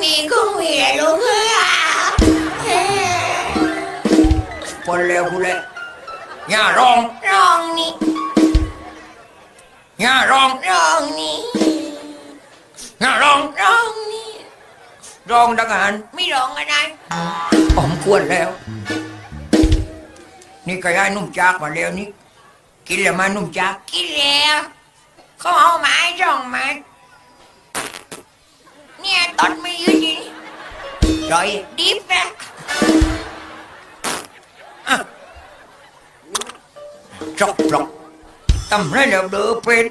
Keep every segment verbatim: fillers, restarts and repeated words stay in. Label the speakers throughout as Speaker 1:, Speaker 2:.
Speaker 1: นี่กูมีอะไรลูกเอ้ย
Speaker 2: คนเลวกูเลยย่าร้อง
Speaker 1: ร้องนี่
Speaker 2: ย่าร้อง
Speaker 1: ร้องนี่
Speaker 2: ย่าร้อง
Speaker 1: ร้องนี่
Speaker 2: ร้องดังหัน
Speaker 1: ไม่ร้องอะไร
Speaker 2: ผมควรแล้ว นี่ก็ย้ายนุ่มจากมาแล้วนี่กินแล้วมานุ่มจาก
Speaker 1: กินแล้วเขาเอาไม้จ่องมาเนี่ยตอนไม่ยืดจริง
Speaker 2: ร้อย
Speaker 1: ดิบนะ
Speaker 2: จกปลอกทำไรแล้วเดือเป็น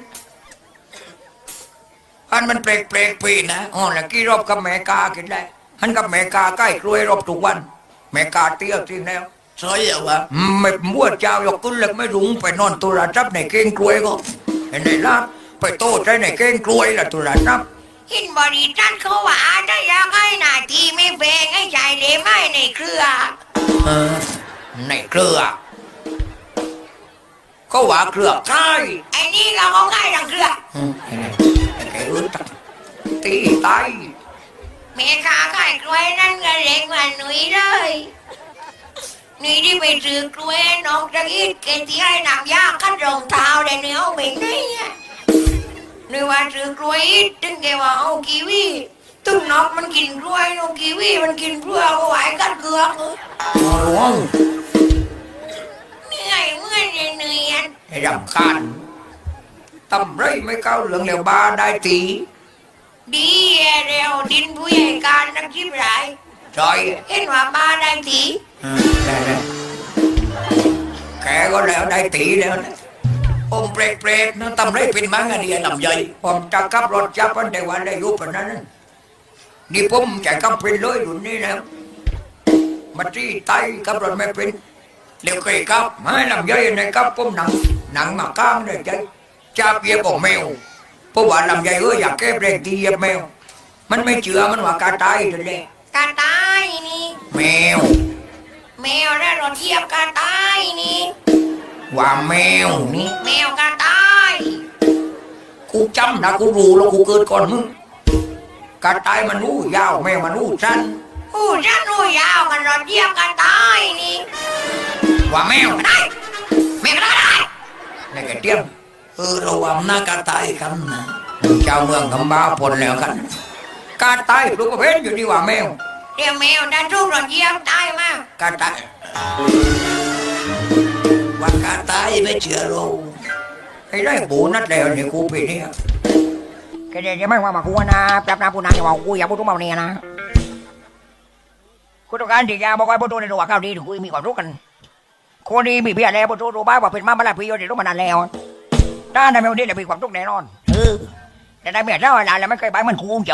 Speaker 2: อันมันเปลกเปลกปีนะอ๋อแล้วกี่รอบกับแม่กากินได้หันกับแม่กาใกล้กล้วยรอบทุกวันแม่กาเตี้ยจริงแล้ว
Speaker 3: ใช่เหรอวะ
Speaker 2: ไม่มั่วเจ้ายกขึ้นเล็กไม่รุงไปนอนตุลาจับในเก้งกล้วยก็เห็นไหนล่ะไปโต้ใจในเก้งกล้วยละตุลาจับ
Speaker 1: หินบริจันเขาว่าถ้าอยากให้หน้าที่ไม่แพงให้ใจเดไม้ในเครือ
Speaker 2: เออในเครือก็ว่าเครือใช่
Speaker 1: ไอ้นี่เราเอาง่ายดังเครือ
Speaker 2: อืมไอ้นี่ไอ้แกอึดตีตาย
Speaker 1: แม่ค้าขายกล้วยนั่นก็เล็กกว่าหนุ่ยเลยหนุ่ยที่ไปซื้อกล้วยนอกจากอีกเกที่ให้นำยาคัดรองเท้าได้เนื้อเอาไปไหนอะหนุ่ยว่าซื้อกล้วยอีกถึงแกว่าเอากีวีตึ้งนอกมันกินกล้วยนกกีวีมันกินเพื่อเอาไว้กัดเกลือกเออ
Speaker 2: หลวง
Speaker 1: เหนื่อยเมื่อยเหนื่อยอะ
Speaker 2: ไอ้รำคาญตำไรไม่เข้าเหลืองแล้วบาได้ตี
Speaker 1: ดีเร็วดินผู้ใหญ่การนักชิบหลาย
Speaker 2: จอย
Speaker 1: เห็นว่าบ้าได้ที
Speaker 2: อืมได้แล้วแกก็แล้วได้ตีแล้วนะอมเปรกเปรกๆนั่นตำไรเป็นมังอันนี้ลำใหญ่ผมจะขับรถจับมันได้วันได้ยุบปนนั้นนี่ผมจะขับเป็นเลยอยู่นี่นะมาที่ไตขับรถไม่เป็นเร็วเคยขับไม่ลำใหญ่ในขับผมหนังหนังมาข้างเลยใจจับเหยียบของแมวเพราะว่าลำใหญ่เอออยากแก้เบรกที่เหยียบแมวมันไม่เชื่อมันว่ากาตายเลยแหละ
Speaker 1: กาตายนี่
Speaker 2: แมว
Speaker 1: แมวได้รถเทียบกาตายนี่
Speaker 2: ว่าแมวนี่
Speaker 1: แมวกาตาย
Speaker 2: กูจำนะกูรู้แล้วกูเกิดก่อนมึงกาตายมันรู้ยาวแมวมันรู้สั้น
Speaker 1: ผู้ฉันรู้ยาวกันรถเทียบกาตายนี่
Speaker 2: ว่าแมว
Speaker 1: ก็ได้แมวก็ได้
Speaker 2: ในกระเทียม
Speaker 3: เออระวังหน้ากาตายกันนะ
Speaker 2: ชาวเมืองคำบ้าพลแล้วกันกาตายลูกก็เพชรอยู่ดีว่าแมว
Speaker 1: เดี๋ยวแมวได้ทุกรถเทียบตายมาก
Speaker 2: กาตาย
Speaker 3: ว่ากาตายไม่เชื่อเรา
Speaker 2: ไอ้ได้ปูนัดแล้วเนี่ยกูปีนี้
Speaker 4: แกเดี๋ยวไม่ว่ามากูนะแป๊บนะพูดนะอย่าว่ากูอย่าพูดทุกมาเนี่ยนะกูต้องการที่จะบอกให้พูดในตัวข้าวดีถึงกูมีความรู้กันคนดีมีเพียรแล้วพูดรู้บ้างว่าเป็นมาเมื่อไรพี่โยนเดี๋ยวรู้มานานแล้วถ้าในเมื่อนี้จะมีความทุกข์แน่นอนเออแต่ในเมื่อเจ้าเวลาแล้วไม่เคยไปมันกู